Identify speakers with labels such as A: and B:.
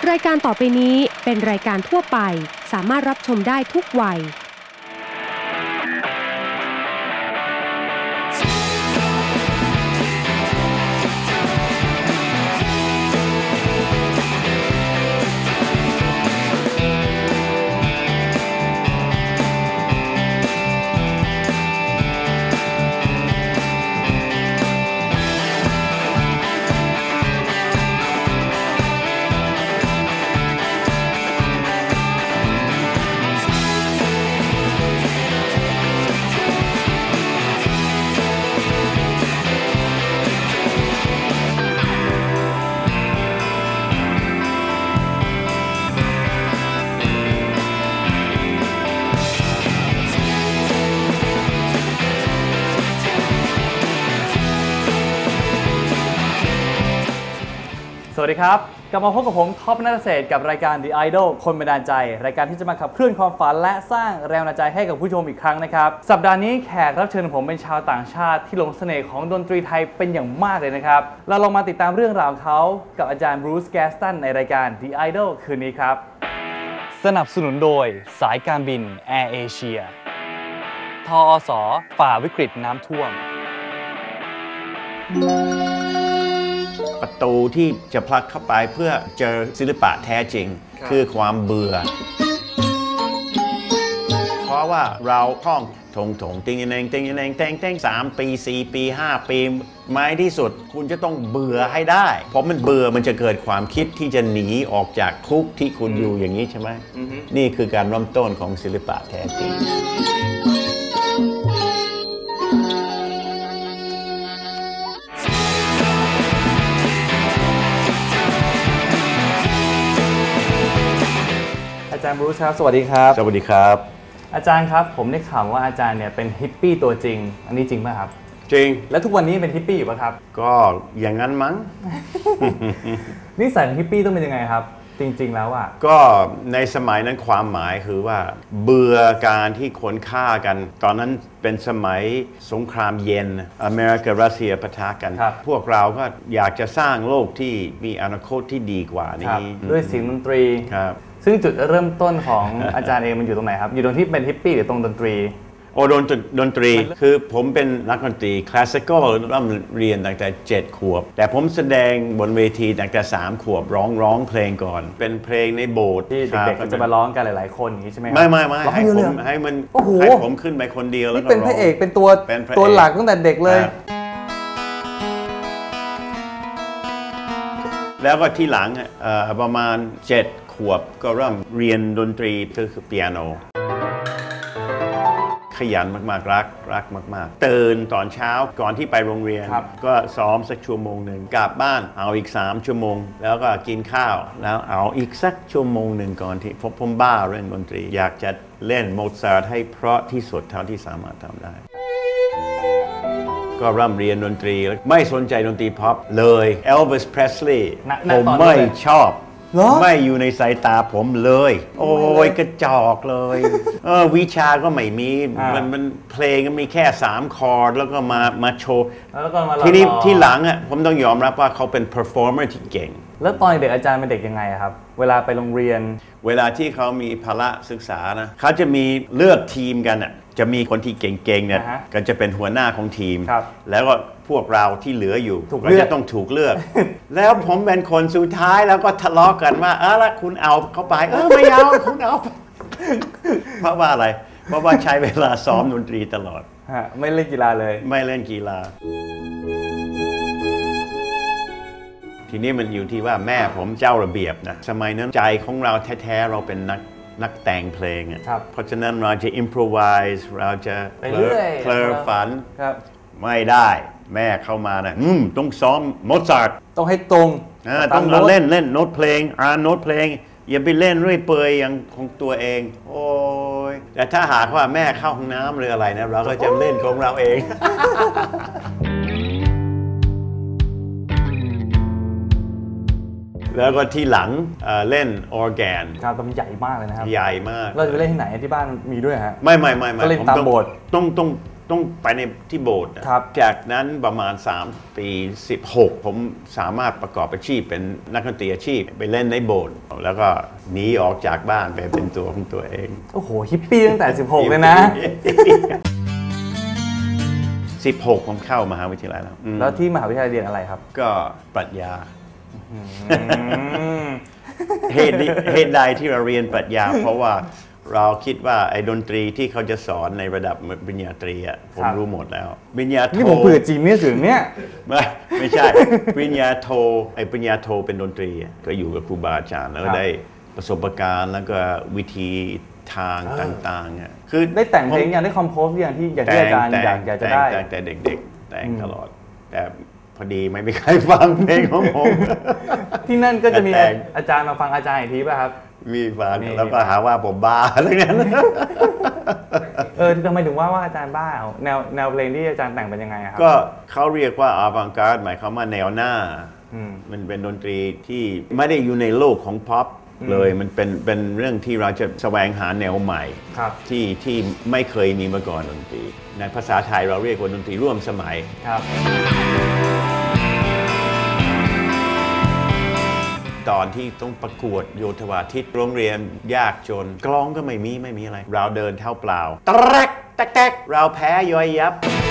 A: รายการต่อไปนี้เป็นรายการทั่วไปสามารถรับชมได้ทุกวัย
B: สวัสดีครับกลับมาพบกับผมท็อปนัทเศรษฐ์กับรายการ The Idol คนบันดาลใจรายการที่จะมาขับเคลื่อนความฝันและสร้างแรงบันดาลใจให้กับผู้ชมอีกครั้งนะครับสัปดาห์นี้แขกรับเชิญของผมเป็นชาวต่างชาติที่หลงเสน่ห์ของดนตรีไทยเป็นอย่างมากเลยนะครับเราลองมาติดตามเรื่องราวของเขากับอาจารย์บรูซ แกสตันในรายการ The Idol คืนนี้ครับสนับสนุนโดยสายการบินแอร์เอเชียทอสฝ่าวิกฤตน้ำท่วม
C: ประตูที่จะพลักเข้าไปเพื่อเจอศิลปะแท้จริงคือความเบื่อเพราะว่าเราท่องถงติงเองติงเองแต่ง3 ปี4 ปี5 ปีไม้ที่สุดคุณจะต้องเบื่อให้ได้เพราะมันเบื่อมันจะเกิดความคิดที่จะหนีออกจากคุกที่คุณอยู่อย่างนี้ใช่ไหมนี่คือการเริ่มต้นของศิลปะแท้จริง
B: อาจารย์บรูซครับสวัสดีครับ
C: สวัสดีครับ
B: อาจารย์ครับผมได้ข่าวว่าอาจารย์เนี่ยเป็นฮิปปี้ตัวจริงอันนี้จริงไหมครับ
C: จริง
B: แล้วทุกวันนี้เป็นฮิปปี้อยู่ป่ะครับ
C: ก็อย่างนั้นมั้ง
B: นิสัยของฮิปปี้ต้องเป็นยังไงครับจริงๆแล้วอ่ะ
C: ก็ในสมัยนั้นความหมายคือว่าเบื่อการที่คนฆ่ากันตอนนั้นเป็นสมัยสงครามเย็นอเมริการัสเซียปะทะกันพวกเราก็อยากจะสร้างโลกที่มีอนาคตที่ดีกว่านี้
B: ด้วยเสียงดนตรีซึ่งจุดเริ่มต้นของอาจารย์เองมันอยู่ตรงไหนครับอยู่ตรงที่เป็นฮิปปี้หรือตรงดนตรี
C: ดนตรีคือผมเป็นนักดนตรีคลาสสิคอลเริ่มเรียนตั้งแต่7 ขวบแต่ผมแสดงบนเวทีตั้งแต่3 ขวบร้องเพลงก่อนเป็นเพลงในโบสถ์
B: ที่เด็กๆจะมาร้องกันหลายๆคนอย่างนี้ใช่ไหม
C: ไม่ให้ผมขึ้นไปคนเดียวแล้วก็
B: เป็นพระเอกเป็นตัวหลักตั้งแต่เด็กเลย
C: แล้วก็ที่หลังประมาณ7 ขวบก็เริ่มเรียนดนตรีคือเปียโนขยันมากๆรักมากๆตื่นตอนเช้าก่อนที่ไปโรงเรียนก็ซ้อมสักชั่วโมงหนึ่งกลับบ้านเอาอีก3 ชั่วโมงแล้วก็กินข้าวแล้วเอาอีกสักชั่วโมงหนึ่งก่อนที่ผมบ้าเรื่องดนตรีอยากจะเล่นโมซาร์ทให้เพราะที่สุดเท่าที่สามารถทำได้ก็เริ่มเรียนดนตรีไม่สนใจดนตรีพ็อปเลยเอลวิส เพรสลีย์ผมไม่ชอบไม่อยู่ในสายตาผมเลยโอ้ยกระจอกเลยวิชาก็ไม่มีมันเพลงก็มีแค่3 คอร์ดแล้วก็มาโชว์ทีนี้ที่หลังอ่ะผมต้องยอมรับว่าเขาเป็นเพอร์ฟอร์เมอร์ที่เก่ง
B: แล้วตอนเด็กอาจารย์เป็นเด็กยังไงครับเวลาไปโรงเรียน
C: เวลาที่เขามีภาระศึกษานะเขาจะมีเลือกทีมกันอ่ะจะมีคนที่เก่งๆเนี่ยก็จะเป็นหัวหน้าของทีมแล้วก็พวกเราที่เหลืออยู่ก็จะต้องถูกเลือกแล้วผมเป็นคนสุดท้ายแล้วก็ทะเลาะกันว่าแล้วคุณเอาเข้าไปไม่เอาคุณเอาเพราะว่าอะไรเพราะว่าใช้เวลาซ้อมดนตรีตลอด
B: ไม่เล่นกีฬาเลย
C: ไม่เล่นกีฬาทีนี้มันอยู่ที่ว่าแม่ผมเจ้าระเบียบนะสมัยนั้นใจของเราแท้ๆเราเป็นนักแต่งเพลงเพราะฉะนั้นเราจะ improvise เราจะเพลอฝันไม่ได้แม่เข้ามานะต้องซ้อมโมซาร์ท
B: ต้องให้ตรง
C: ต้องเล่นโน้ตเพลงโน้ตเพลงอย่าไปเล่นเรื่อยเปื่อยอย่างของตัวเองโอ้ยแต่ถ้าหากว่าแม่เข้าห้องน้ำหรืออะไรนะเราก็จะเล่นของเราเองแล้วก็ที่หลังเล่นออร์แกน
B: ครับมันใหญ่มากเลยนะครับ
C: ใหญ่มาก
B: เราจะไปเล่นที่ไหนที่บ้านมีด้วยฮะ
C: ไม่
B: ก็เล่นตามโบสถ์
C: ต้ต้องไปในที่โบสถ์นะครับจากนั้นประมาณ3 ปี 16ผมสามารถประกอบอาชีพเป็นนักดนตรีอาชีพไปเล่นในโบสถ์แล้วก็หนีออกจากบ้านไปเป็นตัวของตัวเอง
B: โอ้โหฮิปปี้ตั้งแต่16เลยนะ
C: 16ผมเข้ามหาวิทยาลัย
B: แล้วที่มหาวิทยาลัยเรียนอะไรครับ
C: ก็ปรัชญาเหตุใดที่เราเรียนปรัชญาเพราะว่าเราคิดว่าไอ้ดนตรีที่เขาจะสอนในระดับปริญญาตรีอ่ะผมรู้หมดแล้วปริญญาโท
B: นี่ผมเผื่อจริงเนี่ยถึงเนี่ย
C: ไม่ใช่ปริญญาโทปริญญาโทเป็นดนตรีก็อยู่กับครูบาอาจารย์แล้วก็ได้ประสบการณ์แล้วก็วิธีทางต่างๆ
B: คือได้แต่งเพลงอย่างได้คอมโพสอย่างที่อาจารย์อยากจะได้
C: แต่เด็กๆแต่งตลอดแต่พอดีไม่มีใครฟังเพลงของผม
B: ที่นั่นก็จะมีอาจารย์มาฟังอาจารย์อีกทีป่ะครับ
C: มีฟังแล้วก็หาว่าผมบ้าอะไรเงี้ย
B: ทำไมถึงว่าอาจารย์บ้าแนวเพลงที่อาจารย์แต่งเป็นยังไงครับ
C: ก็เขาเรียกว่าอาวังการ์ดหมายความว่าแนวหน้ามันเป็นดนตรีที่ไม่ได้อยู่ในโลกของพ็อปเลยมันเป็นเรื่องที่เราจะแสวงหาแนวใหม่ที่ไม่เคยมีมาก่อนดนตรีในภาษาไทยเราเรียกว่าดนตรีร่วมสมัยตอนที่ต้องประกวดโยธวาทิตโรงเรียนยากจนกลองก็ไม่มีอะไรเราเดินเท้าเปล่าแตกเราแพ้ย่อยยับ